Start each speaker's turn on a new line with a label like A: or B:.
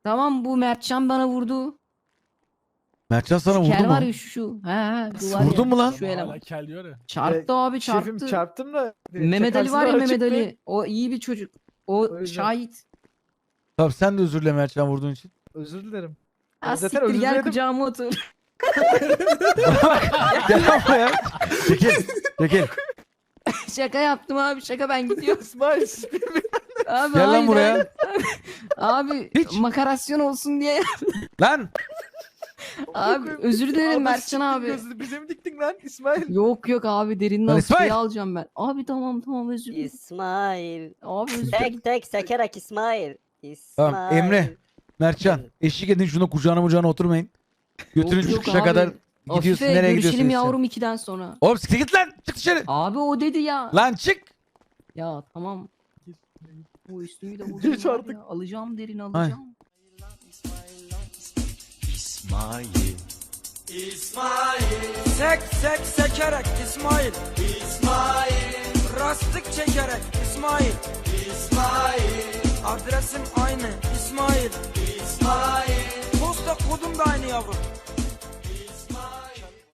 A: Tamam, bu Mertcan bana vurdu.
B: Mertcan sana vurdu
A: Kel
B: mu?
A: var ya şu. He. Bu var
B: Vurdun
A: ya,
B: mu lan?
A: Şu eleman.
C: Hala kel diyor ya.
A: Çarptı abi, çarptı.
D: Şefim çarptım da.
A: Mehmet Ali var ya,
D: çakarsın
A: Mehmet
D: açık mı?
A: Ali. O iyi bir çocuk.
D: O
A: O
D: yüzden.
A: şahit.
B: Tamam sen de özür dile Mertcan vurduğun için.
D: Özür dilerim.
A: Ha,
D: Zaten
A: siktir,
D: özür
A: gel
D: diledim.
A: kucağıma otur.
B: Gel lan buraya. Çekil. Çekil.
A: Şaka yaptım abi, şaka, ben gidiyorum.
D: İsmail.
A: Abi
B: Gel lan
A: hayır,
B: buraya.
A: hayır. Abi
B: Hiç.
A: makarasyon olsun diye.
B: Lan.
A: Abi özür dilerim Mertcan abi.
D: Bize mi diktin lan İsmail?
A: Yok yok abi, derinden
B: Lan İsmail.
A: suyu alacağım ben. Abi tamam özür dilerim.
E: İsmail.
A: Abi özür dilerim.
E: Tek tek sekerek İsmail.
B: Tamam, Emre. Mertcan eşlik edin şuna, kucağına oturmayın. Götürün
A: Yok, yok
B: çıkışa
A: abi.
B: kadar gidiyorsun,
A: Afife,
B: nereye gidiyorsun?
A: görüşelim
B: sen?
A: yavrum 2'den sonra.
B: Oğlum siktir git lan, çık dışarı.
A: Abi o dedi ya.
B: Lan çık.
A: Ya tamam. Bu üstümü de
D: Geç
A: bulacağım var
D: artık.
A: ya. Alacağım, derin alacağım.
F: Sek sek sekerek İsmail. Rastlık çekerek İsmail. Adresim aynı İsmail. Posta kodum da aynı yavrum.